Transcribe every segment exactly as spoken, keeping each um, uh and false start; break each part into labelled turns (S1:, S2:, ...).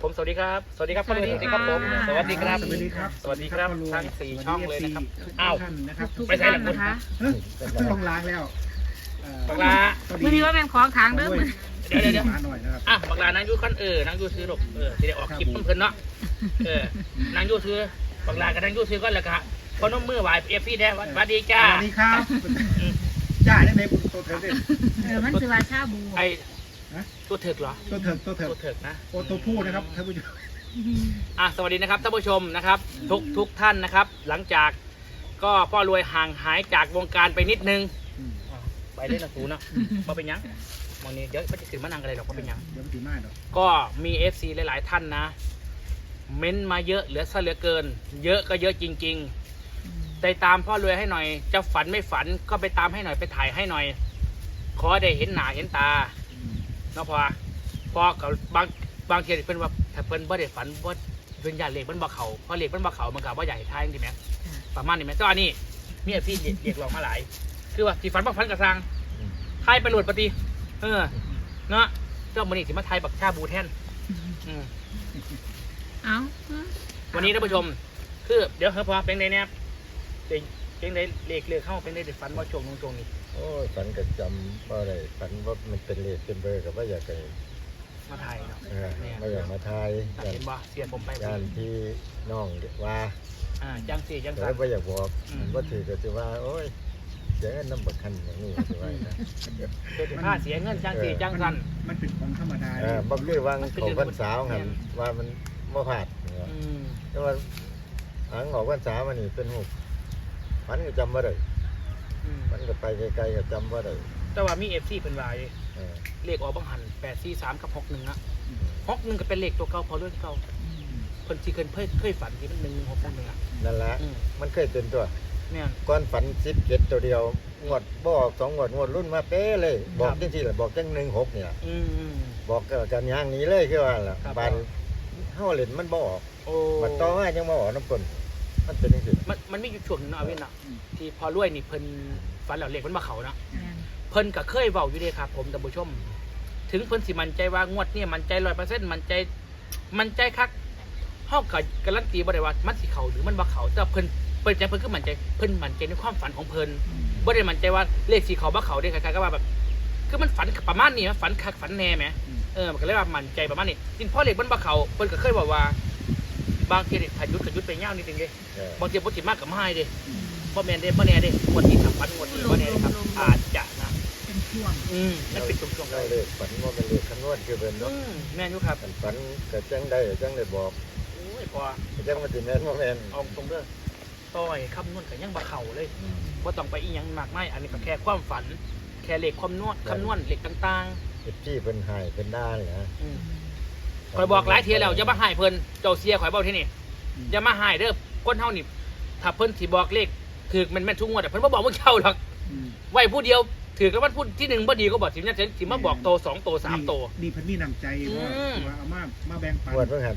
S1: ผมสวัสดีครับสวัสดีครับสวัสดีครับผมสวัสดีครับ
S2: สวัสดีครับ
S1: สวัสดีครับทั้งสี่ช่องเลยนะครับ
S2: อ้า
S1: อ้าว ว
S2: นะครับ
S3: ทุก
S1: ไปใส่หลังคุณ
S3: นะคะ
S2: ต้องล้างแล้ว
S1: บักลา
S3: มือนี้ว่าเป็นของทางเด้อมือ
S1: เดี๋ยวเดี๋ยวเดี๋ยว
S2: มาหน่อยนะครับ
S1: อ่ะบักลานั่งยูคันเออนั่งยูซื้อหรอกเออที่ได้ออกคลิปเพิ่นเนาะเออนั่งยูซื้อบักลากับนั่งยูซื้อก็แล้วก็พอนมมือไหวเอฟซีได้สวัสดีจ้า
S2: สวัสดีครับจ้าได้ไหมคุณตัวเถิกเนี่ย
S3: เออมันคือว่าชาบู
S1: ไอตัวเถิกเหรอ
S2: ตัวเถิกตัวเถิก
S1: ตัวเถิกนะ
S2: โอตัวผู้นะครับท่านผู้ชม
S1: อ่ะสวัสดีนะครับท่านผู้ชมนะครับทุกทุกท่านนะครับ หลังจากก็พ่อรวยห่างหายจากวงการไปนิดนึงอ่ะไปเล่นนะสูเนาะมาเป็นหยังวันนี้เดี๋ยวมันจะขึ้นมานั่งกันเลยหรอกมาเป็นหยัง
S2: เดี๋ยวมันตีมากหรอก
S1: ก็มี เอฟ ซี หลาย ๆ ท่านนะ เม้นมาเยอะเหลือซะเหลือเกิน เยอะก็เยอะจริงๆไปตามพ่อรวยให้หน่อยจะฝันไม่ฝันก็ไปตามให้หน่อยไปถ่ายให้หน่อย ขอได้เห็นหน้าเห็นตาเนาะพอพอกับบางบางทีเพิ่นว่าถ้าเพิ่นบ่ได้ฝันบ่เพิ่นอยากเลขมันบ่เข้าเพราะเลขมันบ่เข้ามันก็บ่ใหญ่ทายจริงๆแหมประมาณนี้แหมแต่ว่านี่มี เอฟ ซี เรียกร้องมาหลาย คือว่าสิฝันบ่ฝันก็สร้างทายไปโหลดปฏิเออเนาะเจ้ามื้อนี้สิมาทายบักชาบูแทนอืม
S3: เอ้า
S1: วันนี้ท่านผู้ชมคือเดี๋ยวเฮ้ยพอเป็นไงเนี่ยเป็นเป็นไงเลขเลขเข้าเป็นไงเด็ดฟันว่าช่วงตรงตรงนี้
S4: โอ้ยฝันก็จำว่าอะไรฝันว่ามันเป็นเลขเป็นเบอร์กับว่าอยากไป
S1: มาถ่ายเนาะ
S4: เออ
S1: เนี่ย
S4: ไม่อยากมาทาย
S1: ตัด
S4: ยาน
S1: เห็นบ่เสียผมไป
S4: ยานที่น้องว่า
S1: อ่าจังสี่จัง
S4: แต่
S1: สัน
S4: ว่าอยากบอก
S1: อืม
S4: ว่าถือก็จะว่า โอ้ยเสียเงินน้ำบักคันอย่างนี้จะว่านะ
S1: เกิดผ้าเสียเงินจังสี่จังสัน
S2: มันเป็นของธรรมดา
S4: เออบักคือวางของวันสาวหันว่ามันบ่ผาดเนี่ย
S1: อืม
S4: แต่ว่าหางของวันสาวมันนี่เป็นหูฝันก็จำว่าได้
S1: อืม
S4: มันก็ไปไกลๆก็จำว่าได้
S1: แต่ว่ามีเอฟซีเป็นวาย
S4: เออ
S1: เลขออกบังหันแปดสี่สามกับหกหนึ่งอะหกหนึ่งก็เป็นเลขตัวเก่าพอเรื่องเก่าคนที่เคยเคยเคยฝันที่มันหนึ่งหกหนึ่งอะ
S4: นั่นแหละ
S1: อืม
S4: มันเคยเป็นตัว
S1: เนี่ย
S4: ก้อนฝันสิบเจ็ดตัวเดียวงวดบอกสองงวดงวดรุ่นมาเป๊ะเลย บอกจังที่แหละบอกจังหนึ่งหกเนี่ย
S1: อืมอืม
S4: บอกกันอย่างนี้เลยคือว่าล่ะ
S1: ครับ
S4: บานเฮาเล่นมันบ่ออก
S1: โอ้
S4: มันต่อมายังบ่ออกน้ำกลนมันเป็นจังซี่
S1: มันมันมีอยู่ช่วงหนึงเนาะเอาเว้นเนาะที่พอรวยนี่เพิ่นฝันแล้วเลขมันมาเขาเนาะ
S3: แม่น
S1: เพิ่นก็เคยเว้าอยู่เด้ครับผมท่านผู้ชม ถึงเพิ่นสิมั่นใจว่างวดเนี่ยมั่นใจร้อยเปอร์เซ็นต์มั่นใจมั่นใจคักเฮาก็การันตีบ่ได้ว่ามันสิเข้าหรือมันบ่เข้าแต่เพิ่นเพิ่นใจเพิ่นคือมั่นใจเพิ่นมั่นใจในความฝันของเพิ่นบ่ได้มั่นใจว่าเลขสิเข้าบ่เข้าเด้คล้ายๆกับว่าแบบคือมันฝันประมาณนี้นะฝันคักฝันแน่แหมเออมันก็เลยว่ามั่นใจประมาณนี้จริงพอเลขมันบ่เข้าเพิ่นก็เคยบอกว่าบางทีนี่ถ้าหยุดก็หยุดไปยาวนิดนึงเด้
S4: เออบ
S1: างทีบ่สิมากก็บ่ให้เด้บ่แม่นเด้บ่แน่เด้งวดนี้ถ้าฝันงวดนี้บ่แน่เด้ครับอาจจะนะ
S3: เป็นช่วง
S1: อืมมันเป็นช่วงๆ
S4: เรา
S1: เลย
S4: เลขฝันว่าเป็นเลขคำนวณคือเป็น
S1: อื
S4: เนาะ
S1: มแม่นอยู่ครับ
S4: อันฝันก็จังได้จังได้บอก
S1: โอ้ยพอ
S4: จังมันสิแม่นบ่แม่น
S1: เอาตรงเด้อต้อยคำนวณกันยังบ่เข่าเลยบ่ต้องไปอีหยังมากมายอันนี้ก็แค่ความฝัน แค่เลขความนวดคำนวณเลขต่าง
S4: เฮ็ดที่เพิ่นให้เพิ่นด่านี่ฮะ
S1: ๆอืมข่อยบอกหลายเที่ยแล้วอย่ามาให้เพิ่นเจ้าเสียข่อยเว้าที่นี่อย่ามาให้เด้อคนเฮานี่ถ้าเพิ่นสิบอกเลขถูกแม่นๆทุกงวดแต่เพิ่นบ่บอกมึงเข้าหรอกไว้ผู้เดียวถือกันว่าพูดที่หนึ่งบ่ดีก็บอกสิเนี่ยสิมาบอกโตสองโตสามโต
S2: นี่พันนี่นำใจว่า
S1: อืม
S2: ว่าเอามามาแบ่งปัน
S4: งวดเพิ่นหัน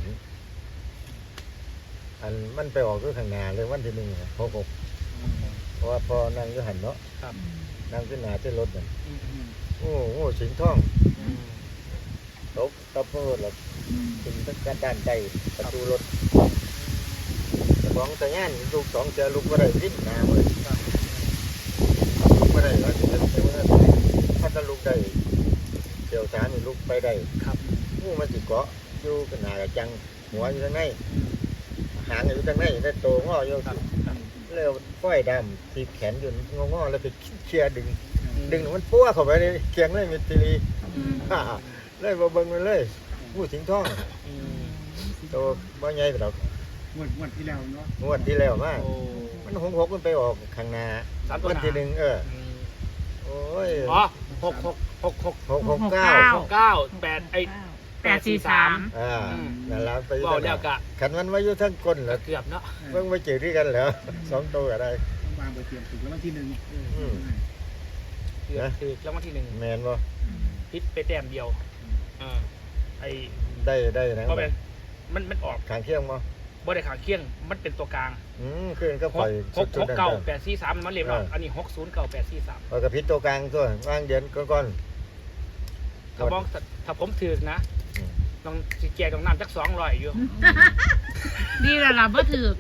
S4: อันมันไปออกอยู่ข้างหน้าเลยวันที่หนึ่งอะหกหกเพราะว่าพอนั่งอยู่หันเนาะ
S1: ครับ
S4: นั่งขึ้นหน้าที่รถนั่น
S1: อืม
S4: โอ้โหสิงห์ทอง
S1: อืม
S4: ตบตบรถแล้วถึงทั้งการด้านใดประตูรถสองแต่งานลูกสองเจอลูกก็ได้วิ่งหน้าเลยลูกก็ได้แล้วถึงจะเป็นว่าถ้าจะลูกได้เดี๋ยวสามีลูกไปได้
S1: ครับ
S4: งูมันสิเกาะอยู่กันหนากับจังหัวอยู่ทางในหางอยู่ทางในได้โตงออยู่
S1: ครับครับ
S4: แล้วฝ้อยดำทีแขนอยู่งองอแล้วไปเชียดึง ดึงมันปั้วเข้าไปในเคียงเลยมิตรีฮ่าเลยบ่เบิ่งมันเลยงูสิงห์ทอง
S1: อืม
S4: โตบ่ใหญ่ดอก
S2: งวดงวดที่แล้วเนาะ
S4: งวดที่แล้วมา
S1: โอ้
S4: มันหงหกมันไปออกข้างหน้า
S1: สามตัว
S4: วัน
S1: หน้า
S4: ที่หนึ่งเออ
S1: อืม
S4: โอ้ย
S1: อ๋อหกหกหกหก
S4: หกหกเก้า
S1: หกเก้าแปดไอ
S3: แปดสี่สาม
S4: อ่านั่นละไป
S1: บอกแล้วกะ
S4: ขันมันไว้อยู่ทั้งก้นแล้ว
S1: เกือบเนาะ
S4: เบิ่งไปเจอที่กันแล้วสองตัวก็ได้
S2: ต้องวางไปเตรียมถูกแล้ววันที่หนึ่ง
S4: อืม
S1: เกือบคือแล้ววันที่หนึ่ง
S4: แมนบ่
S1: พิษไปแต้มเดียวอ่าไอ
S4: ได้ได้นะ
S1: เพราะเป็นมันมันออก
S4: ขางเคียงบ่
S1: บ่ได้ขางเคียงมันเป็นตัวกลาง
S4: อืมคืนก็
S1: ห
S4: ปล่
S1: ก
S4: อย
S1: หกหกเก้าแปดสี่สามมันเรียบร้อยอันนี้หกศูนย์เก้าแปดสี่สาม
S4: เอากับพิษตัวกลางตัววางเดือนก่อน
S1: ถ้ามองถ้าผมถือนะต้องสิแจกต้องน้ำจักสองร้อยอยู่
S3: ดีแล้วล่ะบ่ถือ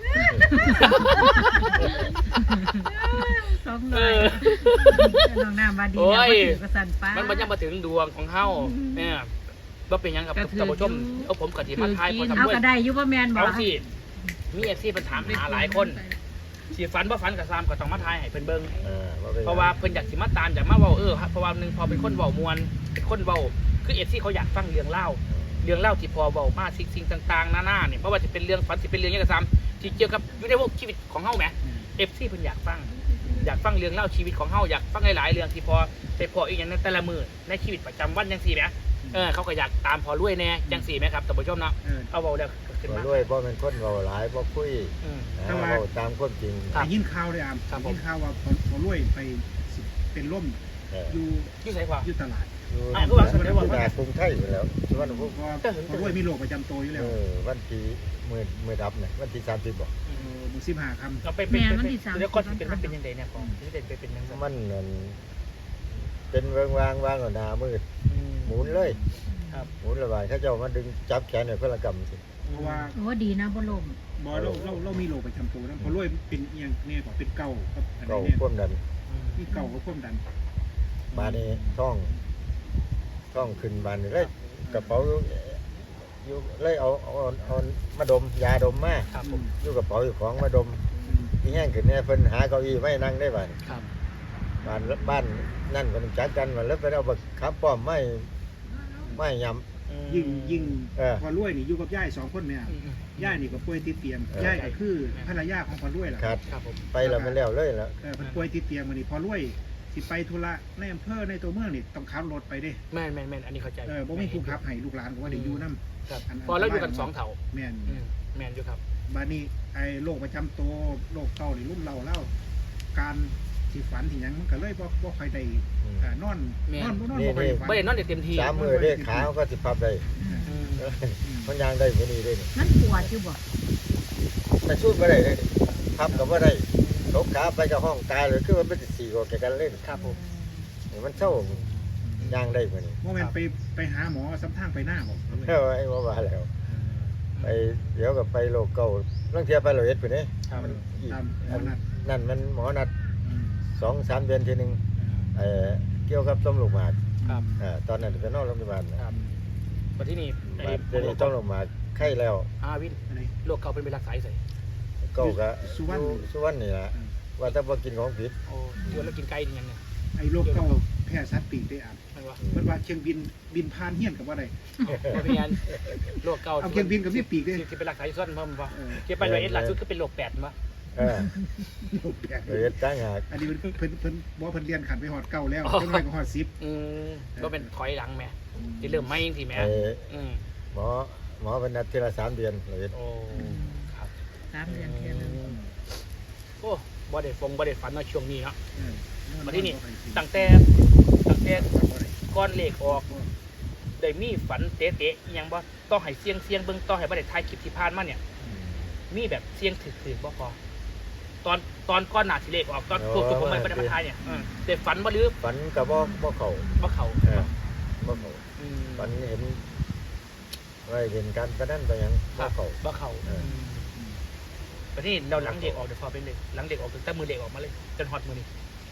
S3: สองร้อยน้องน้ำว่าดีแล้วบ่ถือกระสันป้า
S1: มันมันยังมาถึงดวงของเฮาเนี่ยว่าเป็นหยังกับ
S3: ก็ถือ
S1: ท่านผู้ชม
S3: อยู่
S1: เอาผมกับทีมาทายพอทำ
S3: เอา
S1: ด้วย
S3: ก็ได้อยู่บ่แม่นบ่
S1: เอาสิมีเอฟซีเป็นถามหาหลายคนสิฝันว่าฝันกับซามก็ต้องมาทายให้เพิ่นเบิ่ง
S4: เออบ่ป็นหยัง
S1: เพราะว่าเพิ่นอยากสิมาตามอยากมาเว้าเออเพราะว่าหนึงพอเป็นคนเว้ามวลเป็นคนเว้าคือเอฟซีเขาอยากฟังเรื่องเล่าเรื่องเล่าที่พอเว้ามาสิ่งสิ่งต่างๆหน้าๆเนี่ยเพราะว่าจะเป็นเรื่องฝันสิเป็นเรื่องหยังก็ตามที่เกี่ยวกับอยู่ในพวกชีวิตของเฮาแหม เอฟซีเพิ่นอยากฟังอยากฟังเรื่องเล่าชีวิตของเฮาอยากฟังหลายๆเรื่องที่พอไปพออีกอย่างในแต่ละมือในชีวิตประจำวันจังซี่แหมเออเขาก็อยากตามพอรวยแน่จังซี่แหมครับท่านผู้ชมเนาะ
S2: เออ
S1: เอาเว้าแล้วก็ขึ้น
S4: บ่
S1: มาร
S4: วยบ่เป็นคนเว้าหลายบ่คุย
S1: อืม
S4: นะเว้าตามความจริง
S1: ครับ
S2: ได้ยินข่าวเลยอ่ะ
S1: ครับผม
S2: ได้ยินข่าวว่าพอพอรวยไปสิเป็นล่ม
S4: เออ
S2: อยู่
S1: อยู่ไสกว่า
S2: อยู่ตลาด
S4: อยู่
S1: อ้าวคือว่าแสดงว่า
S4: ที่หน้ากรุงไทยอยู่แล้วสุวรรณภูมิ
S2: เพราะพอรวยมีโรคประจำตัวอยู่แล้ว
S4: เออวันที่มื้อมื้อดับน่ะวันที่สามสิบบ่
S2: เออมือสิบห้าคำ
S1: เราไปเป็นเป็นแล้วก็สิเป็นมันเป็นยังไงเนี่ยของที่ได้ไปเป็นยังไง
S4: มันนั่นเป็นเวิงวางวางเอาหน้ามืด
S1: อืม
S4: หมุนเลย
S1: ครับ
S4: หมุนระบายเขาเจ้ามาดึงจับแขนให้เพิ่นละกำสิ
S2: เพราะว่า
S3: โอ้ดีนะบ่ลม
S2: บอเราเราเรามีโรคประจำตัวนะพอรวยเป็นเอียงเนี่ยก็เป็นเก่าครับอัน
S4: เก่า
S2: นี้เนี่ย
S4: ความดัน
S1: อืม
S2: ที่เก่าก็ความดัน
S4: บาดนี้ท้องท้องขึ้นบานนี่เลยกระเป๋าอยู่เลยเอาเอาเอามาดมยาดมมา
S1: ครับผม
S4: อยู่กระเป๋าอยู่ของมาดม
S2: อืม
S4: ที่แห้งขึ้นเนี่ยเพิ่นหาเก้าอี้ไว้นั่งได้บ้าน
S1: ครับ
S4: บ้านบ้านนั่นเพิ่นจัดกันมาแล้วไปเอาบักขับป้อมไม่ไม่ยำ
S1: อืม
S2: ยิ่งยิ่ง
S4: เออ
S2: พอรวยนี่อยู่กับย่ายสองคนเนี่ย
S1: อืมอืม
S2: ย่ายนี่ก็ป่วยติดเตียง
S4: เออ
S2: ย่ายก็คือภรรยาของพอรวยแหละ
S4: ขาด
S1: ครับผม
S4: ไปแล้วมันแล้วเลยแล้ว
S2: เออเพิ่นป่วยติดเตียงมานี่พอรวยสิไปธุระในอำเภอในตัวเมืองนี่ต้องขับรถไปเด้
S1: แม่นแม่นแม่นอันนี้เข้าใจ
S2: เออบ่มีผู้ขับให้ลูกหลานก็ว่าเดี๋ยวอยู่นำ
S1: ครับ
S2: อันอัน
S1: พอแล้วอยู่กันสองเถา
S2: แม่น
S1: อืมแม่นอยู่ครับ
S2: บัดนี้ไอ้โรคประจำตัวโรคเก่านี่รุ่มเราเล่าการสิฝันที่หยังมันก็เลยบ่บ่ค่อยได้
S4: อืม
S2: อ่านอนนอนบ่นอนบ่ค่อยได้ฝัน
S1: ไม่ได้นอนได้เต็มที่
S4: สามมือได้ขาก็สิพับได้
S1: อืม
S4: เออมันยางได้บ่นี่ได้นี่
S3: มันปวดอยู่บ่
S4: แต่สู้บ่ได้เลยพับก็บ่ได้ตกขาไปกับห้องตายเลยคือว่ามันสิสี่กว่าแกกันเล่น
S1: ครับผม
S4: นี่มันเศร้ายางได้บ่นี่
S2: โมเมนต์ไปไปหาหมอซ้ำทางไปหน้าบอก
S4: เออไอ้ว่าว่าแล้วไปเดี๋ยวก็ไปโลกเก่าลางเที่ยไปร้อยเอ็ดพุ่นนี่
S1: ครับ
S4: มันอีก
S2: ตามหมอนัด
S4: นั่นมันหมอนัด
S2: อืม
S4: สองสามเดือนทีหนึงเอ่อเกี่ยวกับต้มลูกหมาก
S1: ครับ
S4: อ่าตอนนั้นไปนอนโรงพยาบาลนะครับ
S1: มาที่นี่ไอ้
S4: เดี๋ยวนี้ต้มลูกหมากไข้แล้ว
S1: อาวิน
S2: อะไร
S1: โรคเก่าเป็นไปรักษาใส่
S4: เก่าก็
S2: สุวรรณ
S4: อยู่สุวรรณนี่ล่ะว่าถ้าบ่กินของผิด
S1: โอ้ยวนแล้วกินไก่นี่ยังเนี่ย
S2: ไอ้โรคเก่าแพ้สัตว์ปีกได้อ่ะ
S1: มันวะ
S2: เพิ่นว่าเชียงบินบินผ่านเฮียนกับว่าได้
S1: ไม่เป็นยันโรคเก่า
S2: เอาเชียงบินกับมีปีกได้
S1: ที่เป็นรักษาอยู่ส่วนเพิ่มป่ะ
S2: เออ
S1: เกี่ยวไปร้อยเอ็ดล่าสุดก็เป็นโรคแปดมั้ย
S4: เออ
S2: โรคแปลก
S4: ร้อยเอ็ดตั้งหาก
S2: อันนี้เพิ่นเพิ่นเพิ่นบ่เพิ่นเรียนขันไปฮอดเก่าแล้วจังไดก็ฮอดสิบ
S1: อืมก็เป็นถอยหลังแม่ที่เริ่มไม่ยังทีแม่
S4: ไอ้
S1: อืม
S4: หมอหมอเป็นนัดทีละสามเดือนร้อยเอ็ด
S1: โอ้ครับ
S3: สามเดือนเทื่อนึง
S1: โอ้บ่ได้ฟงบ่ได้ฝันเนาะช่วงนี้เนาะ
S2: เออ
S1: มาที่นี่ตั้งแต่ตั้งแต่ก้อนเลขออกได้มีฝันเตะๆอิหยังบ่ต้องให้เสียงเสียงเบิ่งต้องให้บ่ได้ถ่ายคลิปที่ผ่านมาเนี่ย มีแบบเสียงถึกๆบ่พอตอนตอนก้อนหน้าสิเลขออกตอนพวกผมไม่ได้มาถ่ายเนี่ยอืมแต่ฝันบ่หรือ
S4: ฝันก็บ่บ่เข้า
S1: บ่เข้า
S4: เออบ่เข้า
S1: อืม
S4: ฝันเห็นว่าเห็นการประดันไปหยัง
S1: ค
S4: บ่
S1: รับ
S4: เข้า
S1: บ่เข้า
S4: เออ
S1: แต่ที่เราหลังเด็กออกเดี๋ยวพอเป็นเลยหลังเด็กออกถึงแต่มือเด็กออกมาเลยจนฮอตมือนี้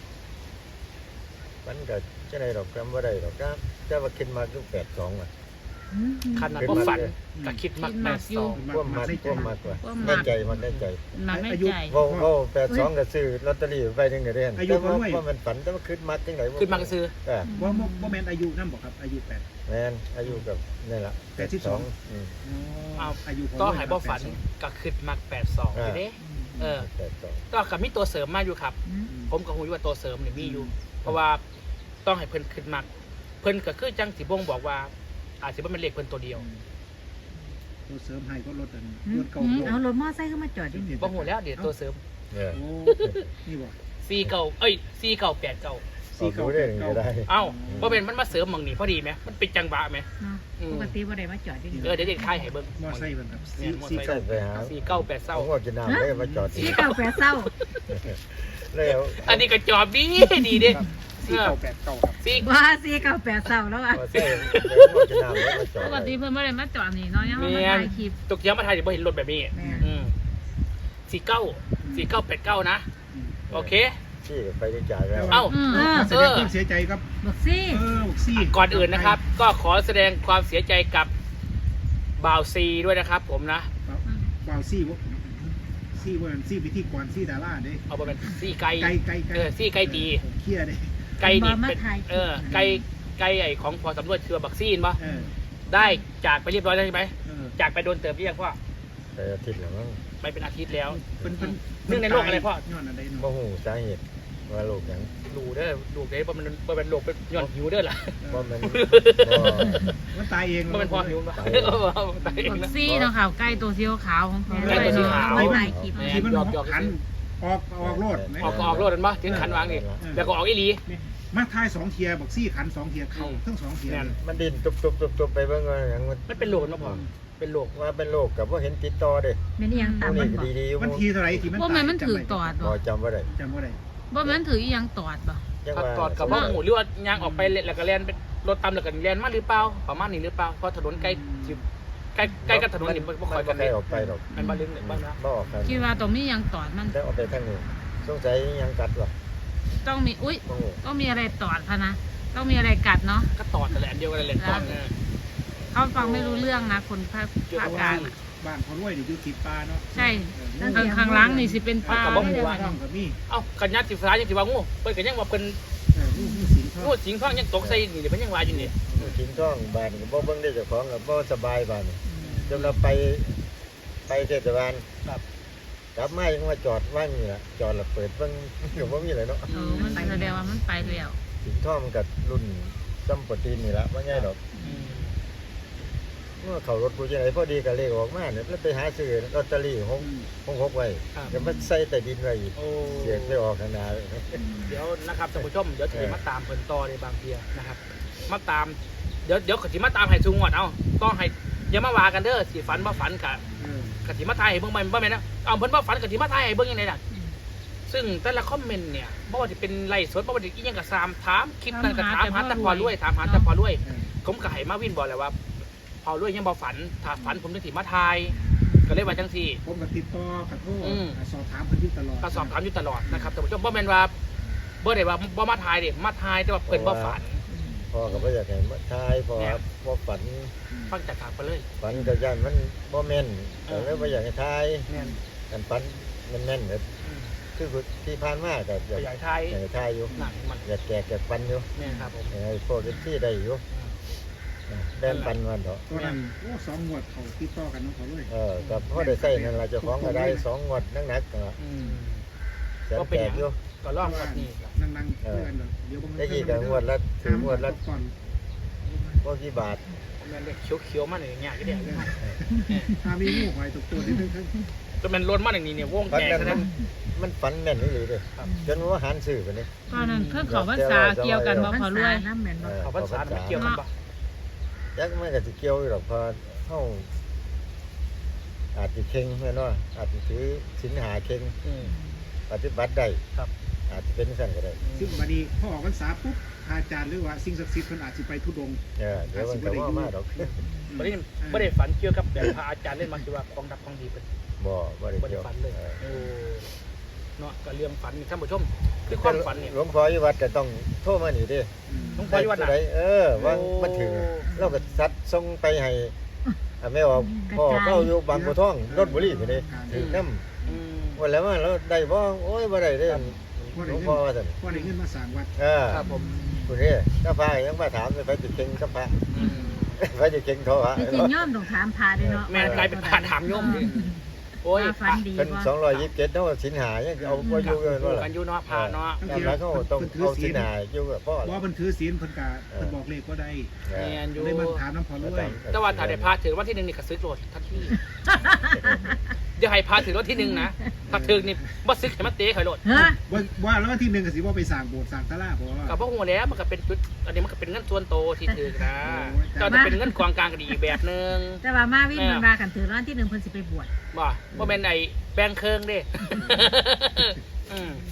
S4: ฝันก็จะได้ดอกจำบ่ได้ดอกจ้าแต่ว่าคิดมาคือแปดสองอ่ะ
S1: ขนาดว่าฝันก็คิดมักแปดสอง
S4: พวกมากพวกมากกว่า
S3: ความ
S4: ได้
S3: มัก
S4: ใจมันได้ใจ
S3: มันไม่ใจ
S4: เว้าเว้าแปดสองก็ซื้อลอตเตอรี่ไปนึงก็ได้แต่ว่าว่ามันฝันแต่ว่าคิดมักจังได๋
S1: ขึ้นมากระซื้อ
S4: เออ
S2: บ่บ่บ่แม่นอายุนำบ่ครับอายุแปด
S4: แม่นอายุกับนี่ล่ะ
S2: แปดสิบสอง
S4: อืม
S1: เอา
S2: อายุของ
S1: ก็หายบ่ฝันก็คิดมักแปดสองไปเด้เออ
S4: แปดสอง
S1: ก็กับมีตัวเสริมมาอยู่ครับ
S3: อืม
S1: ผมก็คงอยู่ว่าตัวเสริมเนี่ยมีอยู่ เพราะว่าต้องให้เพิ่นขึ้นมักเพิ่นก็คือจังสิบ่งบอกว่า อาจสิบ่แม่นเลขเพิ่นตัวเดียว
S2: ตัวเสริมให้ก็ลดอัน
S3: อื
S2: ล
S3: ม
S2: ดเก่า
S3: อืม
S2: ลง
S3: เอารถมอไซค์เข้ามาจอดที่นี่
S1: บ่ฮู้แล้วเดี๋ยวตัวเสริม
S4: เออ
S2: โอ้นี่บ่
S1: สี่เก้าเอ้ยสี่เก้าแปดเก้า
S4: เอาดูได้ก็ได้
S1: เอ้าบ่เป็นมันมาเสริมหม่องนี้พอดีไหมมันเป็นจังหวะไหม
S3: เนาะ
S1: อืม
S3: ปกติบ่ได้มาจอดที่นี่
S1: เออเดี๋ยวเด็กทายให้เบิ่ง
S2: มอไซค์เพิ่นครับ
S1: เนี่ยมอไซค์
S4: ใช่ไปหา
S1: สี่เก้าแปด
S4: ผ
S1: เศร้าม
S4: ว่ากินน้ำได้มาจอด
S3: สีเก่าแปดเศร้า
S4: แล้ว
S1: อันนี้ก็จอบดีดีเด้
S2: สี่เก้าแปดเก้าครับ
S1: สี่
S3: ว่าสี่เก้าแปดเศร้าแล้วอ่ะ
S4: พอใส่เดี๋ยวมันจะน้ำแล้วมันจอด
S3: ปกติเพิ่นไม่ได้มาจอดนี่เนาะยังมา
S1: เมีย
S3: ถ่ายคลิป
S1: ตกเยี่ยมมาไทยเดี๋ยวบ่เห็นรถแบบนี้
S3: แม่
S1: อืมสี่เก้าสี่เก้าแปดเก้านะ โอเค
S4: ที่ไปได้จ่ายแล้ว
S1: เอ้า
S3: เออ
S2: แสดงความเสียใจครับ
S3: บอกซี่
S2: เออบอกซี่
S1: ก่อนอื่นนะครับ ก็ขอแสดงความเสียใจกับบ่าวซีด้วยนะครับ ผมนะ
S2: วาวซี่วะซี่ว่าซี่พิธีกรซี่ดาราเด้
S1: เอาไปเป็นซี่ไก่
S2: ไก่ไก่ไก่
S1: เออซี่ไก่ตี
S2: ผมเครียดเด้
S1: ไก่นี่เป็นเออไก่ไก่ไอของพอสำรวจคือบักซีนปะ
S2: เออ
S1: ได้จากไปเรียบร้อยแล้วใช่ไหม
S2: เออ
S1: จากไปโดนเติมเรียกพ่อ
S4: ไปอาทิตย์แล้วมั้ง
S1: ไปเป็นอาทิตย์แล้ว
S2: เป็นเป็น
S1: เรื่องในโลกอะไรพ่อ
S2: ย้อนอะไร
S4: บ่
S2: เนาะ
S4: ฮู้สาเหตุว่าโรคหยัง
S1: ดูเด้อดูเด้อว่ามันว่าเป็นโรคเป็นย้อนหิวเด้อล่ะ
S4: บ่แม่นบ่
S2: มันตายเอง
S1: ว่าเป็นพอหิวปะ
S4: ตาย
S1: เออตายเอง
S3: บอก
S1: นะ
S3: ซี่เนาะค่ะใกล้ตัวสีขาวของแท้
S1: ใกล้ตัวสีขาว
S3: ไม่ถ่ายคลิป
S1: แม่
S2: ที่มัน
S1: หยอกหยอก
S2: ขันออกออกโลดไหม
S1: ออกก็ออกรถกันปะถึงขันวางนี่แล้วก็ออกอีหลี
S2: มาทายสองเทียบอกซี่ขันสองเทียเข่า
S1: อืม
S2: ทั้งสองเทีย
S1: แม่น
S4: มันดิ้นตุบๆๆๆไปเบิ่งว่าหยังมัน
S1: มันเป็นโรคกันปะพ่อเป็นโรค
S4: ว่าเป็นโรคกับว่าเห็นติดต่อเด้
S3: แม่นอีหยังตาม
S4: ผู้
S3: มั
S4: นี้
S3: น
S4: ก็
S3: บอก
S4: ดีๆอยู่
S2: มันทีเท่าไหรที่มัน
S3: ว่ามันมันถือตอด
S4: บ่
S3: บ่
S4: จำบ่ได้
S2: จำว่าได้
S3: ว่ามันถืออีหยังตอดบ่
S4: จัง
S1: ขับ
S4: ว่า
S1: ตอดกับว่าหมูหรือว่ายางออกไปแล้วก็แลนเป็นรถตามแล้วก็แลนมาหรือเปล่าประมาณนี้หรือเปล่าเพราะถนนใกล้ใกล้ใกล้กับถนนนี่บ่ค่อยกัน
S4: ได้
S1: เลย
S4: ออกไปหรอก
S1: มันบ้านลึกเนี่ยบ้านนะ
S4: บ่ออกกัน
S3: คิดว่าตรงนี้ยังตอดมัน
S4: ได้ออกไปทางนี้สงสัยยังกัดว่ะ
S3: ต้องมีอุ้ย
S4: บ่ฮู้
S3: ต้องมีอะไรตอดพะนะต้องมีอะไรกัดเนาะ
S1: ก็ตอดแต่นแหละอันเดียวกันแหละตอดเนี่ย
S3: เขาฟังไม่รู้เรื่องนะคนภาคภาคกลางอะ
S2: บ้านเขารวยนี่อยู่ติดปลาเนาะ
S3: ใช่ข้างข้างหล้างนี่สิเป็นปลา
S2: บ้าน
S3: ไม่ได้
S2: ว่า
S3: ว่า
S2: น้องกับมี่
S1: เอ้ากันยัดสิฟ้ายังสิว่างูเพิ่นก็ยังว่าเพิ่น
S2: เออลูกลูกสิงห์เขา
S1: งูสิงท้องยังตกใส่นี่เดี๋ยวเพิ่นยังว่าอยู่นี่
S4: กินท้องบ้านก็บ่เบิ่งได้เจ้าของก็บ่สบายบ้านจนเราไปไปเทศบาล
S1: ครับ
S4: กลับมายังมาจอดว่างนี่ล่ะจอดแล้วเปิดเบิ่งก็บ่มีอะไรเนาะ
S3: เออมันแสดงว่ามันไปแล้ว
S4: กินท้องมันก็รุ่นซัมโปรตีนนี่ล่ะบ่ใหญ่ดอก
S1: อืม
S4: เมื่อเขารถผู้ใหญ่พอดีก็เลขออกมาเนี่ยแล้วไปหาซื้อลอตเตอรี่หกหกหกไว้
S1: ครับ
S4: ก็มาใส่ใต้ดินไว้อีก
S1: โอ้
S4: เสียงไปออกข้างหน้าเลย
S1: เดี๋ยวนะครับท่านผู้ชมเดี๋ยวจะมาตามเพิ่นต่อในบางเทียนะครับ มาตามเดี๋ยวเดี๋ยวขจิมาตามให้ซุงก่อนเอาต้องให้อย่ามาว่ากันเด้อสิฝันบ่ฝันกะ
S2: เออก
S1: จิมาทายให้เบิ่งบ่บ่แม่นนะเอาเพิ่นบ่ฝันกจิมาทายให้เบิ่งยังไงล่ะซึ่งแต่ละคอมเมนต์เนี่ยบ่ว่าจะเป็นไลฟ์สดบ่ว่าจะอีหยังก็ตามถามคลิปนั้นก็ถามหาแต่พอรวยถามหาแต่พอรวย
S2: เออ
S1: ผมก็ให้มาวินบอกแหละว่า พอรวยยังบ่ฝันถ้าฝันผมจะสิมาทาย ก็เลยว่าจังซี่
S2: ผมก็ติดต่อขอโทษ
S1: อืม
S2: สอบถามเพิ่นอยู่ตลอด
S1: ก็สอบถามอยู่ตลอดนะครับแต่ผมบ่แม่นว่าบ่ได้ว่าบ่มาทายเด้มาทายแต่ว่าเพิ่นบ่ฝัน
S4: พ่อก็บ่อยากให้มาทายพ่อ
S1: เนี่ย
S4: บ่ฝัน
S1: ฟังจากปากไปเลย
S4: ฝันก็ย่านมันบ่แม่น
S1: เอ
S4: ก็
S1: อ
S4: เลยบ่อยากให้ทาย
S1: แม่น
S4: กันฝันแม่นๆแบบ
S1: อืม
S4: คือที่ผ่านมาก็อยาก
S1: ขยายทาย
S4: อยากให้ทายอยู่
S1: หนักมัน
S4: อยากแจกอยากปันอยู่
S1: แม่นครับผม
S4: อยากให้พวกที่ได้อยู่นะแบ่งปันวันเถอะ
S2: ตอนนั้นโอ้สองงวดเขาติดต่อกันเน้องเขาเลย
S4: เออกับพ่อได้ใส่นั่นล่ะเจ้าของก็ได้สองงวดนักๆก็
S1: อืม
S4: แสนแจกอยู่
S1: ก็ลองวัดนี้ครับ
S2: นั่งนั่งๆเพื่อนเดี๋ยวเดี๋ยวบาง
S4: ได้กี่ก็งวดละถึงงวดละ
S2: ก่อน
S4: บ่กี่บาท
S1: แม่นเด็กเขียวๆมาหน่อยอย่างเงี้ยก็ได้
S2: ถ้ามีงูหอยตกตัวนิดนึง
S1: ก็แม่นล้นมาอย่างนี้เนี่ยวง
S4: ฝัน
S1: แตก
S4: นั้น
S1: ซะ
S4: มั
S1: นะ
S4: นมันฝันแม่นนี่เลยเด้
S1: ครับ
S4: จนว่าหันซื้อกันนี่
S3: ตอนนั้นเพิ่งเขาพรรษาเกี่ยวกันบ่พอรวยน้ำแม่นบ่
S1: เขาพรรษาไม่เกี่ยวกันปะ
S4: จักมันก็สิเกี่ยวอยู่หรอกเพอเฮาอาจสิเข่งแม่นว่าอาจสิถือศีลหาเข่ง
S1: อืม
S4: ปฏิบัติได้
S1: ครับ
S4: อาจจะเป็นสั่นก็ได้
S2: ซึ่งบัดนี้พอออกพรรษาปุ๊บอาจารย์หรือว่าสิ่งศักดิ์สิทธิ์เพิ่นอาจสิไปทุดงค์
S4: เออเดี๋ยวมันก็ว่ามาดอก
S1: ไม่ได้ไม่ได้ฝันเกี่ยวกับแบบพระอาจารย์เล่นมาคือว่าของดับของดีเป็น
S4: บ่บ่ได้
S1: ไม่ได้
S4: เกี่ยว
S1: ฝันเลย
S4: ออ
S1: โอ้เนาะก็เรื่องฝันนี่ท่านผู้ชมคือความฝันเนี่ย
S4: หลวงพ่ออยู่วัดก็ต้องโทรมานี่เด้
S1: หลวงพ่ออยู่วัดไหน
S4: ไเออว่า
S1: โอ้
S4: มันถึงเราก็ซัดส่งไปให้อ่ะแม่ว่าพ่อเขาอยู่บางบัวทองรถบุรีพุ่นนี่ถึงนำ
S1: อืม
S4: ว่าแล้วว่าเราได้บ่โอ้ยบ่ได้เด้
S1: ครับ
S2: พ่อ
S4: หล
S2: ได้
S4: วง
S2: เงิ
S4: พ่อน ว่าซั่น
S2: พ่อได้เงินมาสร้างวัด
S4: เออ
S1: ครับผม
S4: พุ่นนี่ถ้าพายังมาถามไปติดเก่งกับพระ
S1: อืม
S4: ไปติดเก่งโทรหา
S3: จริงๆย่อมต้องถามพาด้วยเนาะ
S1: แม่กลายเป็นผ่าถามโยมดิโอ้ย
S3: ว่าฝันดี
S4: เป็น
S3: บ่
S4: สองร้อยยี่สิบเจ็ดเนาะสินหายังเอาบ่อยู่กันว่า
S1: กั
S4: ล่ะ
S1: นอยู่เนาะพาเนาะ
S4: ตามหลักเขาต้องเอาสินหาอยู่กับพ่อ
S2: ว่า
S4: ล่ะ
S2: เพิ่นถือศีลเพิ่นก็เพิ่นบอกเลขก็ได้
S4: เอ
S1: แม่
S4: อน
S1: อยู่
S2: เลยมาถามน้ำพอรวย
S1: แต่ว่าถ้าได้พาถึงวันที่หนึ่งนี่ก็ซื้อโกรธทันทีเดี๋ยวให้พาถึงวันที่หนึ่งนะถ้าถึงนี่บ่ซื้อให้มันเตะข่อยโลด
S3: ฮะ
S2: ว่าว่าแล้ววันที่หนึ่งก็สิว่าไปสร้างโบสถ์สร้างศาลาบ่ว่า
S1: กับพวกหัวแล้วมันก็เป็นจุดอันนี้มันก็เป็นเงินส่วนโตวที่ถือนะ
S2: โอ้ย
S1: ก็จะเป็นเงินกองกลางก็ดีอีกแบบนึง
S3: แต่ว่ามาวิ่งมันมากันถือร้านที่หนึ่งเพิ่นสิไปบวช
S1: บ่บ่เป็นไอ้แบงค์เคิงเด้ อืม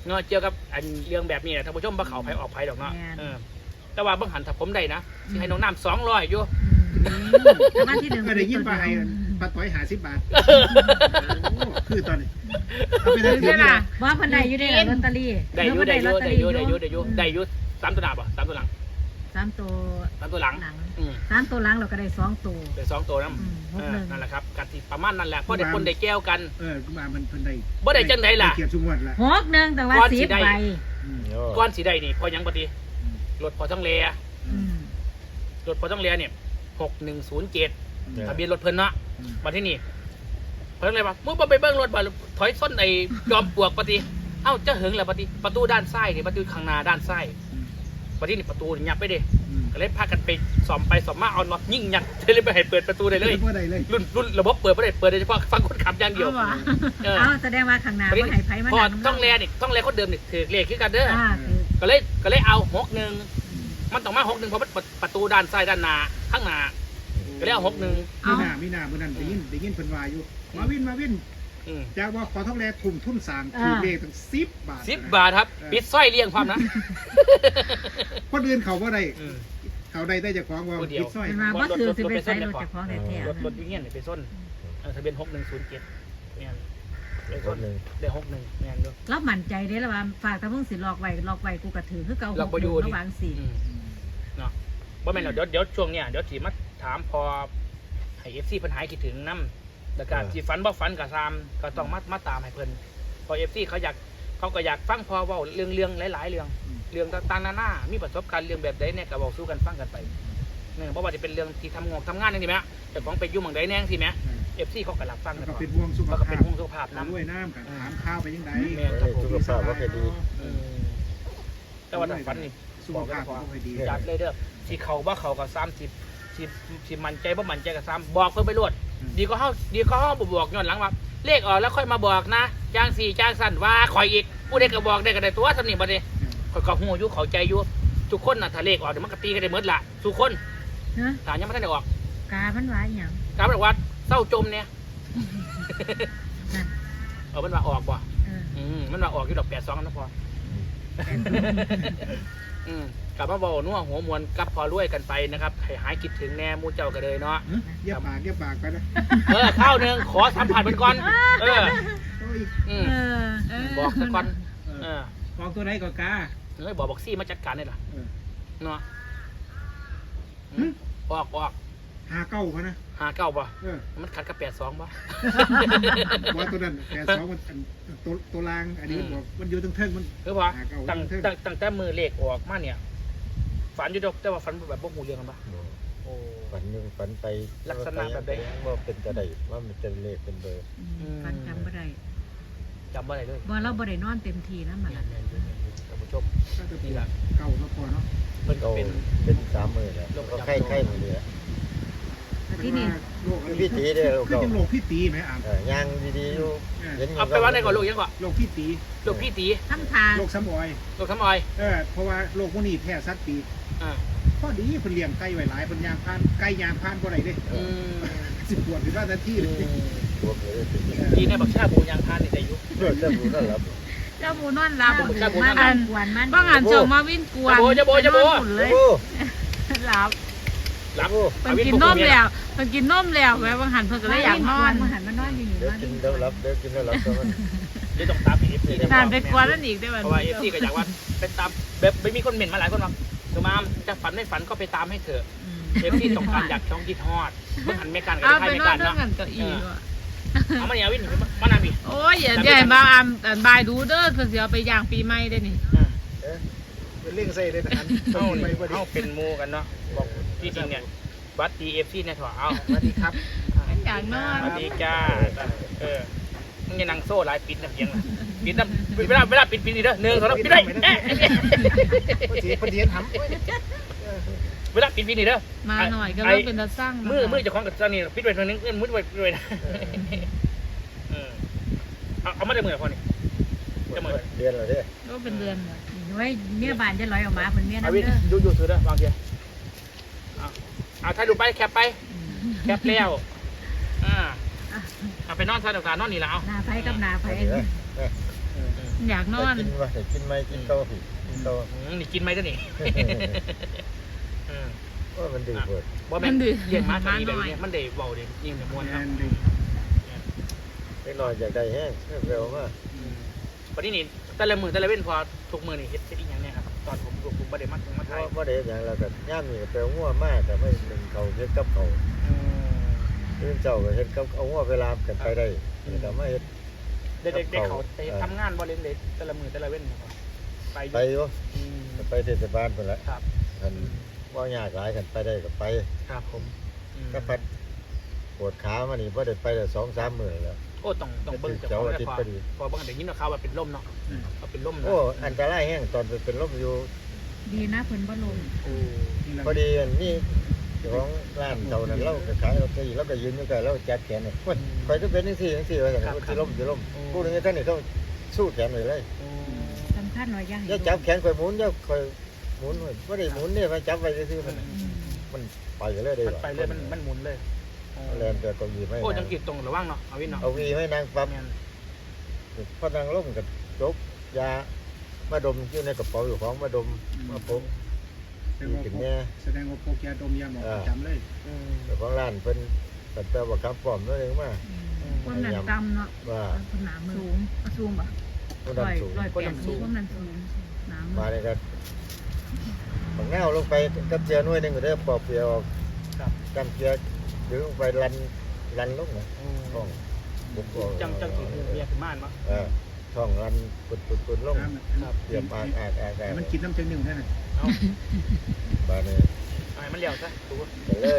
S1: เนาะเกี่ยวกับอันเรื่องแบบนี้นะท่านผู้ชมบ่เขาไผออกไผดอกเนาะเออแต่ว่าเบิ่งหันถ้าผมได้นะสิให้น้องน้ำสองร้อยอยู่
S3: แต่ว่าที่หนึ่ง
S2: ก็ได้ยินปลาให้ปลาต้อยหาสิบบาทโอ้คือตอนนี้เอาไปได้
S3: คือ
S2: เดือน
S3: ใช่
S2: นี้
S3: ป่ะว่าเพิ่นได้อยู่ได้ลอตเตอรี่
S1: ได้อยู่ได้อยู่ได้อยู่ได้อยู่ได้อยู่ได้อยู่สามตัวหน้าบ่สามตัวหลัง
S3: สามตัว
S1: สามตัวหลัง
S3: หลัง
S1: อืม
S3: สามตัวหลังเราก็ได้สองตัว
S1: ได้สองตัวนํ
S3: อืมห
S1: เอก อ
S3: หนึ่ง
S1: นั่นแหละครับกติประมาณนั่นแหละเพราะได้คนได้แก้วกัน
S2: เออมามันเพิ่นได้
S1: บ่ได้จังไดล่ะ
S2: เกียรติสุงวดละ
S3: หกหนึ่งแต่ว่า
S1: ก้อนสิ
S3: สิบ
S1: ได้
S3: ใบ
S2: อืม
S1: ก้อนสีได้นี่พอยังปฏิรถพอต้องเลีย
S3: อืม
S1: รถพอต้องเลียเนี่ยหกหนึ่งศูนย์เจ็ด
S2: อืม
S1: ทะเบียนรถเพิ่นเนาะ
S2: อืม
S1: มาที่นี่เพิ่นเลยว่ามึงบ่ไปเบิ่งรถบ่ถอยส้นไอ้จอมปลวกปฏิเอ้าจะหึงแล้วปฏิประตูด้านซ้ายนี่ประตูข้างหน้าด้านซ้าย
S2: อืม
S1: ปฏินี่ประตูนี่ยับไปเด้
S2: อืม
S1: ก็เลยพากันไปสอมไปสอมมาเอาน็อตยิ่งยัดเลยไปให้เปิดประตูได้เลย
S2: บ่ได้เลย
S1: รุ่นรุ่นระบบเปิดบ่ได้เปิดได้เฉพาะฟังคนขับอย่างเดียว
S3: เอาว่ะ
S1: เออ
S3: เอาแสดงว่าข้างหน้าว่าให้ไผมา
S1: พอ
S3: นั่ง
S1: ต้องแลนี่ต้องแลคนเดิมนี่ถือเลขคือกันเด้อ
S3: อ่าคือ
S1: ก็เลยก็เลยเอาหกหนึ่งมันต้องมาหกหนึ่งเพราะมันประตูด้านซ้ายด้านหน้าข้างหน้าก็เลยเอาหกหนึ่ง
S2: มีหน้ามีหน้ามื้อนั้นได้ยินได้ยินเพิ่นว่าอยู่มาวินมาวิน
S1: อืม
S2: จากว่าขอทองแลทุ่มทุนสร้างคือเลขตั้งสิบบาท
S1: สิบบาทครับปิดสร้อยเลี้ยงความนะ
S2: คนอื่นเขาบ่ได้
S1: อืม
S2: เขาได้ได้จากของว่า
S1: คนเดียว
S2: ปิดสร้อย
S3: เป็นมาบ่ถือสิไปใส่รถเจากของแท้
S1: รถรถวิ่งเงี้ยเนี่ยไปส้นเออทะเบียนหกหนึ่งศูนย์เจ็ดเนี่ยไป
S4: ค
S1: ส้น
S4: นหนึ่ง
S1: ได้หกหนึ่งเนี่ยดู
S3: แล้วมั่นใจได้แล้วว่าฝากถ้าเพิ่งสิลอกไว้ลอกไว้กูก็ถือคือเก่า
S1: ลอกบ่อยู่ดิ
S3: ระหว่างสี่
S1: อืมเนาะว่าแม่นเดี๋ยวเดี๋ยวช่วงเนี้ยเดี๋ยวถีมาถามพอให้เอฟซีปัญหาคิดถึงน้ำแล้วก็ที่ฝันบ่ฝันกับซามก็ต้องมามาตามให้เพิ่นพอเอฟซีเขาอยากเขาก็อยากฟังพอเว้าเรื่องเรื่องหลายๆเรื่องเรื่องต่างๆนานามีประสบการณ์เรื่องแบบใดเนี่ยก็บอกสู้กันฟังกันไปเนี่ยเพราะว่าจะเป็นเรื่องที่ทำงานทำงานนี่สิแม่แต่ของไปยุ่งเมืองใดแน่งสิแม่เอฟซีเขาก็รับฟัง
S2: แล้กั
S3: Dạ
S2: น
S3: vâng.
S2: ก็เป็นห่วงสุข
S1: แล้วก็
S2: ภา
S1: เป็น
S2: พ
S1: ห่วงสุขภาพ
S2: น้ำ
S1: น้ำ
S2: ด้วยน้ำกันถามข้าวไปยังไง
S1: แม่ครับผม
S4: สุขภาพว่าแค่ดี
S1: อืมแต่ว่าถ้าฝันนี่
S2: สุขภาพก็ค่อยดี
S1: จัดเลยเด้อสีเขาว่าเขากับซ้ำสิสิสิมันใจว่ามันใจกับซ้ำบอกเพิ่นไปรวดดีก็เฮาดีก็เฮาบ่บอกย้อนหลังว่าเลขออกแล้วค่อยมาบอกนะจ้างสี่จ้างสั้นว่าข่อยอีกผู้ใดก็บอกได้ก็ได้ตัวสำนีบัดนี้ข่อยก็ฮู้อยู่เข้าใจอยู่ทุกคนน่ะถ้าเลขออกเดี๋ยวมันก็ตีกันได้หมดล่ะทุกคน
S3: ฮะ
S1: ถ้ายังบ่ทันได้ออก
S3: กามันว่าอหย่าง
S1: กาบอกว่าเศร้าจมเนี่ย
S3: นั่น
S1: เออมันว่าออกบ่
S3: เออ
S1: อืมมันว่าออกอยู่ดอกแปดสองนะพออืมกลับมาบอกนัวหัวมวนกับพอรวยกันไปนะครับให้หายคิดถึงแน่หมูเจ้ากันเลยเนาะ
S2: เยี่ยปากเยี่ยปากไปนะ
S1: เออข้าวหนึ่งขอสัมผัสมันก่อน เออ
S2: โอ้ย
S1: อืม
S3: เออเออ
S1: บอกซะก่อน
S2: เอ
S1: เอ
S2: อ
S1: อ
S2: มองตัวไหนก็กา
S1: เฮ้ยบอกบอกซี่มาจัดการได้หรอ
S2: เออ
S1: เนาะ
S2: หึ
S1: ออกออก
S2: หาเก้าพะนะ
S1: หาเก้าป่ะ
S2: เออ
S1: มันขัดกับแปดสองป่ะ
S2: ว่าตัวนั้นแต่สองมันอันตัวตัวลางอันนี้มันบอกมันอยู่ทั้งเทิงมัน
S1: คือว่า
S2: หาเก้า
S1: ตั้ง
S2: เทิง
S1: ตั้งตั้งแต่มือเลขออกมาเนี่ย ฝันอยู่ดอกแต่ว่าฝันแบบพวกหูเรื่องกันป่ะโอ้
S4: ฝันหนึ่งฝันไป
S1: ลักษณะแบบใด
S4: ว่าเป็นจะได้ว่ามันจะเลขเป็นเบอร์
S3: อืมฟันจำบ่ได้
S1: จำว่าอะไรเลย
S3: บ่เราบ่ได้นอนเต็มทีนะมัน
S1: เนี่ยเนี่ยเนี่ยเนี่ยท่านผู้ชม
S2: ก็จะเป็นเก่าแล้วพอเนาะ
S1: เพิ่นก็
S4: ก็
S1: เป็น
S4: เป็นสามหมื่นแล้วก็ไข่ไข่หมดเลย
S3: แต่ที่นี่
S2: โรค
S4: พี่ตีเด้อ
S2: คือ
S4: เก่า
S2: จังโรคพี่ตีไหมอ่าน
S4: เออย่างดีๆอยู่เห็น
S1: เอาไปว่าในก่อนลูกยังก่อน
S2: โรคพี่ตี
S1: ลูกพี่ตี
S3: ทำทาง
S2: โรคซ้ำออย
S1: ลูกทำออย
S2: เออเพราะว่าโรคพวกนี้แพ้สัตว์ปีก
S1: อ่า
S2: พอดีเพิ่นเลี้ยงไก่ไว้หลายเพิ่นยางพานไก่ยางพานบ่ได้เด้
S1: อืม
S2: สิปวดหรือว่าทันทีเลย
S4: บวกเลย
S1: ดีในบักชาบูยางพานนี่ได้อยู่
S4: เพื่อจะรู้นั่นแหละ
S3: เจ้าหมูนอนหลับ
S1: เจ้าหมูนอนหลับ
S3: มันกวนมัน
S5: บ้างอ่านเจอมาวิ่งกวน
S1: จะโบจะโบจะโบ
S5: นอนฝุ่นเลย
S4: โอ้
S5: หลับ
S1: หลับ
S5: มันกินนมแล้วมันกินนมแล้วแม่บางหันเพิ่นก็เลยอยากนอน
S3: มันหันมานอนอยู่นี่
S4: เดี๋ยว
S3: นอนอ
S4: กิน
S3: ยู่
S4: เดี๋ยวรับเดี๋ยวกินแล้วรับก็มัน
S1: เดี๋ยวต้องตามเอฟซี
S5: นานไปกวนนั่นอีกได้ไหม
S1: เพราะว่าเอฟซีก็อยากว่าเป็นตามแบบไม่มีคนเหม็นมาหลายคนหรอกคือมาจะฝันไม่ฝันก็ไปตามให้เถอะเอฟซีต้องการอยากช่องคิดฮอดเมื่อหันไม่กันกับ
S5: เอา
S1: ไท
S5: ไป
S1: ยไม่
S5: นอ
S1: กัน น
S5: เรื่อ
S1: เนาะ
S5: งกันเก้าอี้ว่ะ
S1: เอามาเนี่ยวินมานานพี่
S5: โอ้ยอย่าใหญ่บางอันอันบายดูเด้อเพิ่นสิเอาไปย่างปีใหม่ได้นี่
S2: เป็นเรื่องใส่เลยนะอัน
S1: เอา
S2: ไป
S1: นี่
S2: บ่ดี
S1: เอาเป็นมูกันเนาะบอกที่จริงเนี่ยบัตรดีเอฟซีเนี่ยถอเอา
S2: สวัสดีครับ
S5: อยากนอ
S1: ส
S5: น
S1: วัสดีจ้าเออมึงอย่านั่งโซ่หลายปิดนะเพียงนะปิดนะเวลาเวลาปิดปิดนี่เด้อหนึ่งสองปิดได้เอ๊ะ
S2: พอดีพอดีทำ
S1: เวลาปิดปิดนี่เด้อ
S5: มาหน่อยก็เริ่มเป็นตาสร้าง
S1: มือมือเจะคล้าของกับเจ้านี่ปิดไว้ตรงนึงมือไว้ปิดไว้นะเอาเอามาได้มือพอนี่
S4: เดือนละเด้อ
S5: ก็เป็นเดือน
S3: นี่ไว้เมียบ้านจะลอยออกมาเพิ่นเมีย
S1: เอา
S3: น้ำ
S1: วิน
S3: เด้อ
S1: ดูดูถือเด้อบางทีเอาเอาถ่ายรูปไปแคปไปแคปแล้วอ่าเอาไปนอนซะเดี๋ยวการนอนนี่ละเอา
S3: หน้าไผกับหน้าไผ
S4: เดี๋ยว
S5: อยากนอน
S4: กินว่าแต่กินไหมกินโตผิดกินโต
S1: อืมนี่กินไหมเจ้านี่อืม
S4: ว่ามันดื้อเปิด
S1: ว่าแม่นเลี้ยงม้าตัวนี้แบบนี้มันได้เบาเด้ยิ่งเดี๋ยวม้วนครับ
S2: แม่นดิ
S4: ไอ้หน่อยอยากได้แห้งเร็วมาก
S1: อืมวันนี้นี่แต่ละมือแต่ละเว้นพอทุกมือนี่เฮ็ดเฮ็ดอีหยังเนี่ยครับตอนผมผมผมบ่ได้มาถึงมา
S4: เพ
S1: ไทย
S4: ราะว่าเด็กอย่างเราก็ย่ามนี่ก็ไปเอางัวมากแต่ไม่หนึ่งเขาเฮ็ดกับเขา
S1: อืม
S4: เรื่องเจ้าก็เฮ็ดกับเอางัวเวลากันไปได้แต่ไม่เฮ็ด
S1: เด็กๆเด็กเขาไปทำงานบ่เล่นเลยแต่ละมือแต่ละเว้นนะครับไปอยู่
S4: ไปอยู่
S1: อืม
S4: ไปเทศบาลไปแล้ว
S1: ครับ
S4: กันว่ายากหลายกันไปได้ก็ไป
S1: ครับผมอืม
S4: ก็พัดปวดขามานี่พอได้ไปได้สองสามมื้อแล้ว
S1: โอ้ต้องต้องเบิ่งเจ้าของเลยพอพอเบิ่งเดี๋ยวนี้เนาะข่าวว่าเป็นลมเนาะเอาเป็นลมเนาะ
S4: โอ้อันตรายแห้งตอนไปเป็นลมอยู่
S3: ดีนะเพิ่นบ่ลง
S1: โอ้
S4: พอดีอันนี้เจ้าของร้านเจ้านั้นเราก็ขายเราก็เราก็ยืนอยู่กันเราจัดแขนเนี่ยคอยก็เป็นจังซี่จังซี่ว่าซั่นสิล้มสิล้มผู้นึงท่านนี่ต้องสู้แขนไว้เลย
S1: โอ้
S3: สำคัญหน่อยอย่าให้
S4: อย่าจับแขนคอยหมุนอย่าคอยหมุนไว้บ่ได้หมุนเนี่ยมาจับไว้ซื่อๆมัน
S3: อืม
S4: มันไปเลยได้
S1: มันไปเลยมันมันหมุนเลยโอ้
S4: แลนแต่ก็มีไม่
S1: โอ้จังกิดตรงระวังเนาะเอาวินเนาะ
S4: เอาวีให้นางปั๊บ
S1: แม่น
S4: พอนางล้มกับจบยามาดมอยู่ในกระเป๋าอยู่ของมาดมมาพก
S2: แสดงว่า
S4: กิน
S2: พก
S4: เนี่ย
S2: แสดงว่าพกยาดมยาหมองประจำเลย
S1: อืม
S4: เจ้าของร้านเพิ่นตั้งแต่ว่าคำปลอมนั่นเองมา
S3: ความดันต่ำเนาะ
S4: ว่า
S3: คนหนามือสูงสูงป่ะ
S4: ผู้
S3: ร้
S4: นำ
S3: อย
S4: สูง
S3: ร้อยแปดสิบความดันสูงหนามื
S4: มา
S3: อ
S4: เลยกันบางแนวลงไปกับเจียหน่วยหนึงก็ได้ปอกเปลียวออก
S1: ครับ
S4: จำเจียดึงลงไปลันลันลงนะ
S1: อื
S4: ท้อ
S1: ม
S4: งบุกออก
S1: จังจังกิดเมียขึ้นบ้านมั้ง
S4: เออท้องลันปุดปุดปุดลง
S2: น้ำ
S1: ครับ
S4: เตรียมอากอากอากอา
S2: ให้
S4: ก
S2: มันกินน้ำเต็มหนึ่งได้น่ะ
S1: เอา
S4: บาดนี้
S1: เอาให้มันเลี้ยวซะดู
S4: ก็เลย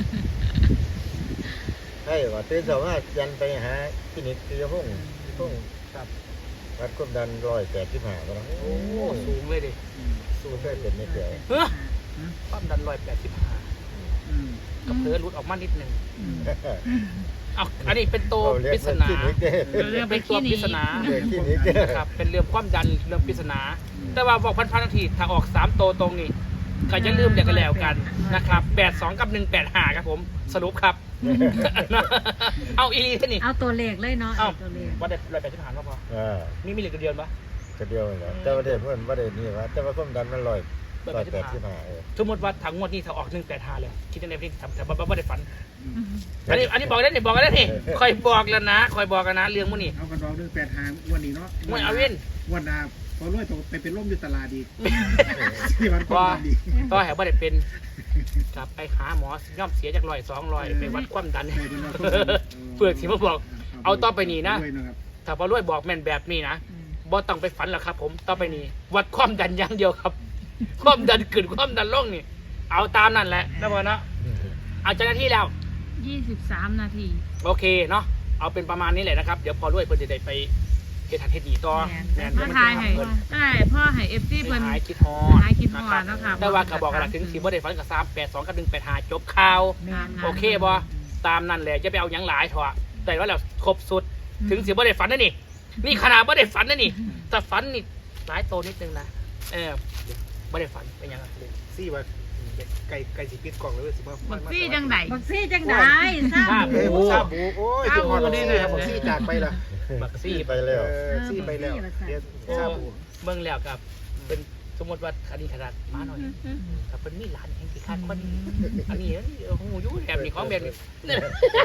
S4: ให้ว่าตื่นสามารถยันไปหาคลินิกที่ห้องห้อง
S1: ครับ
S4: วัดความดันร้อยแปดสิบห้าก็แล้ว
S1: โอ้สูงเลยดิ
S4: สู้เคยเป็นไม่เกี่ยว
S1: เฮ้อความดันร้อยแปดสิบห้า
S2: อืม
S1: ก็เผลอหลุดออกมานิดหนึ่ง
S3: อืม
S1: เอาอันนี้เป็นตัว
S4: เราเรีย
S1: ป
S4: ก
S1: ริศ
S4: ว่า
S1: นา
S4: คลินิกเด้
S5: เรื่องไป
S1: เป็นตัว
S5: ขี้ห
S1: ป
S5: นี
S1: ริศนา
S4: เรียกคลินิกเด้
S1: ครับเป็นเรื่องความดันเรื่องปริศนา แต่ว่าบอกพันพันนาทีถ้าออกสามตัวตรงนี่ก็จะลืมเดี๋ยวกันแล้วกันนะครับแปดสองกับหนึ่งแปดห้าครับผมสรุปครับ เอาอีลีท่านี่
S3: เอาตัวเลขเลยเนาะ
S1: เอ้า
S3: เอาตัวเลข
S1: ว่าได้ร้อยแปดสิบห้าพอ
S4: อ่า
S1: นี่มีเหลือเดือนปะ
S4: ก็เดียวนั่นแหละแต่ว่าเด็กเพื่อนว่าเด็กนี่ว่าแต่ว่าความดันมันร้อย
S1: ร้
S4: ร้
S1: อ
S4: อย ย
S1: แป
S4: แป
S1: ด
S4: ด
S1: สิ
S4: สิ
S1: บบ ห้า
S4: ห้าเออ
S1: สมมติว่าถังงวดนี้ถ้าออกหนึ่งแปดห้าเลยคิดในที่ทำแต่ว่าไม่ได้ฝัน
S3: อืม
S1: อันนี้อันนี้บอกได้นี่บอกได้นี่คอยบอกแล้วนะคอยบอกกันนะเรื่องพวกนี้
S2: เอากันรองเรื่องแปดหางวันนี้เนาะ
S1: มวยเอาเว้น
S2: วันหนาพอรวยตกไปเป็นร่มอยู่ตลาดอีกที่วันความดันอีก
S1: ต่อแถวบ่ได้เป็นกลับไปหาหมอย่อมเสียจากร้อยสองร้อยไปวัดความดัน
S2: ไม่เป็นว่าความดัน
S1: เปลือกสีมาบอก เอาต่อไปนี่นะ
S2: ด้วยนะครับ
S1: ถ้าพอรวยบอกแม่นแบบนี้นะ
S3: อืม
S1: บ่ต้องไปฝันหรอกครับ ผมต่อไปนี้วัดความดันอย่างเดียวครับ ความดันขึ้นความดันลงนี่ เอาตามนั่นแหละนะพ่อเนาะเอาเจ้าหน้าที่แล้ว
S5: ยี่สิบสามนาที
S1: โอเคเนาะเอาเป็นประมาณนี้แหละนะครับ เดี๋ยวพอรวยเพิ่นจะได้ไปเฮ็ดทันเฮ็ดหนีต่อแม่น
S5: มาทายให้ได้พ่อให้เอฟซี
S1: ไป
S5: เพิ่น
S1: หายคิดฮอด
S5: หายคิดฮอด
S1: นะ
S5: นะ
S1: ค
S5: ครั
S1: รับบ แต่ว่าก็บอกกันถึงสิบ่ได้ฝันกับสามแปดสองกับหนึ่งแปดห้าจบข่าว
S3: แม่น
S1: โอเคบ่ตามนั่นแหละจะไปเอาหยังหลายเถอะแต่ว่าแล้วครบสุดถึงสิบ่ได้ฝันนะนี่ นี่ขนาดบ่ได้ฝันนะนี่แต่ฝันนี่หลายโตนิดนึงนะเออบ่ได้ฝันเป็นหยังไง
S2: ซี่ว่าไก่ไก่สีปิดกล่องเลยสิบ่
S5: บักซี่จังได
S3: บักซี่จังได้ทราบ
S1: ทราบ
S2: เอ้ยซาบูโอ้ย
S5: เอา
S2: จุดฮอด
S5: นี่
S2: นี่
S5: แห
S2: นะ
S5: ละ
S2: บอกซี่จากไปละ
S1: บักซี่
S4: ไปแล้ว
S2: เออซี่ไปแล้วเดี๋ยว
S1: โอ้
S2: ซาบู
S1: เบิ่งแล้วกับเป็นสมมติว่าอันนี้ขนาดมาหน่อยถ้าเป็นมีหลานแห่งสิคาดคนอันนี้โอ้โหอยู่แบบนี้ของแบบนี้เนี่ย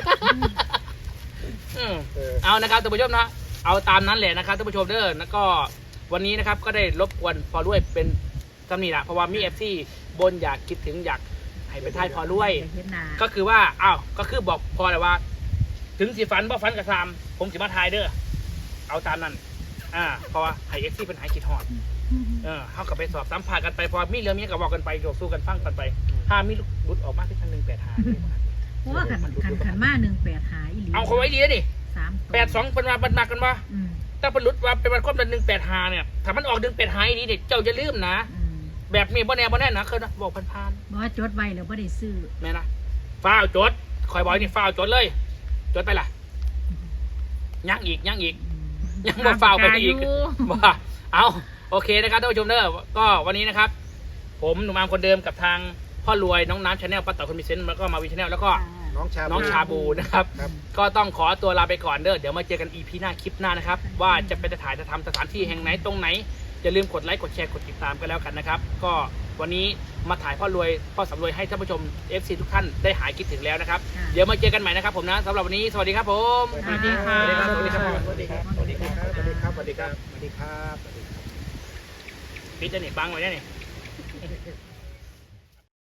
S1: อืม
S4: เออ
S1: เอานะครับท่านผู้ชมนะเอาตามนั้นแหละนะครับท่านผู้ชมเด้อแล้วก็วันนี้นะครับก็ได้รบกวนพอด้วยเป็นตำหนิละเพราะว่ามีเอฟซีบนอยากคิดถึงอยากให้เป็นท้ายพอด้วย
S3: เห็นหน้า
S1: ก็คือว่าอ้าวก็คือบอกพอเลยว่า ถึงสีฟันบ่ฟันกับซามผมสิมาทายเด้อเอาตามนั้นอ่าเพราะว่าให้เอฟซีเป็นหายคิดฮอดเออเขากับไปสอบสัมภาษณ์กันไปพอมีเรื่องนี้ก็บอกกันไปโยกสู้กันฟังกันไปถ้ามีรุดออกมาที่ทางหนึ่งแปดหา
S3: เพราะว่าขันขันขันมาหนึ่งแปดหาอีหลี
S1: เอาเขาไว้ดีนะนี่
S3: สามตัว
S1: แปดสองเป็นมาบันมากันว่า
S3: อืม
S1: ถ้าเป็นรุดว่าเป็นวันครบเดือนหนึ่งแปดหาเนี่ยถ้ามันออกหนึ่งแปดหาอีนี้เนี่ยเจ้าจะลืมนะ
S3: อืม
S1: แบบนี้บ่แน่บ่แน่นะเคยนะบอกผ่าน
S3: บอกว่าจดไว้แล้วบ่ได้ซื้อ
S1: ๆแม่นะฟ้าวจดคอยบอกนี่ฟ้าวจดเลย จดไปล่ะยังอีกยังอีก
S3: อืม
S1: ยังบ่ฟ้าวไปอีก
S5: อยู่
S1: ว่าเอาโอเคนะครับท่านผู้ชมเด้อก็วันนี้นะครับ ผมหนุ่มอามคนเดิมกับทางพ่อรวยน้องน้ำชาแนลป้าต่อคนมีเซนต์แล้วก็มาวีชาแนลแล้วก็
S3: อ่า
S2: น้องชา
S1: น้องชาบูนะครับ
S2: ครับ
S1: ก็ต้องขอตัวลาไปก่อนเด้อเดี๋ยวมาเจอกัน อี พี หน้าคลิปหน้านะครับว่าจะไปถ่ายจะทำสถานที่แห่งไหนตรงไหนอย่าลืมกดไลค์กดแชร์กดติดตามกันแล้วกันนะครับก็วันนี้มาถ่ายพ่อรวยพ่อสำรวยให้ท่านผู้ชม เอฟ ซี ทุกท่านได้หายคิดถึงแล้วนะครับ
S3: ค่ะ
S1: เดี๋ยวมาเจอกันใหม่นะครับผมนะสำหรับวันนี้สวัสดีครับผม
S5: สวัสดีค่ะ
S2: สวัสดีครับสวัสดีครับสวัสดีครับสวัสดีครับสวัสดีครับสวัสดีครับสวัสดีครับ
S1: ปิดจะหนีบังไว้ได้เนี่ย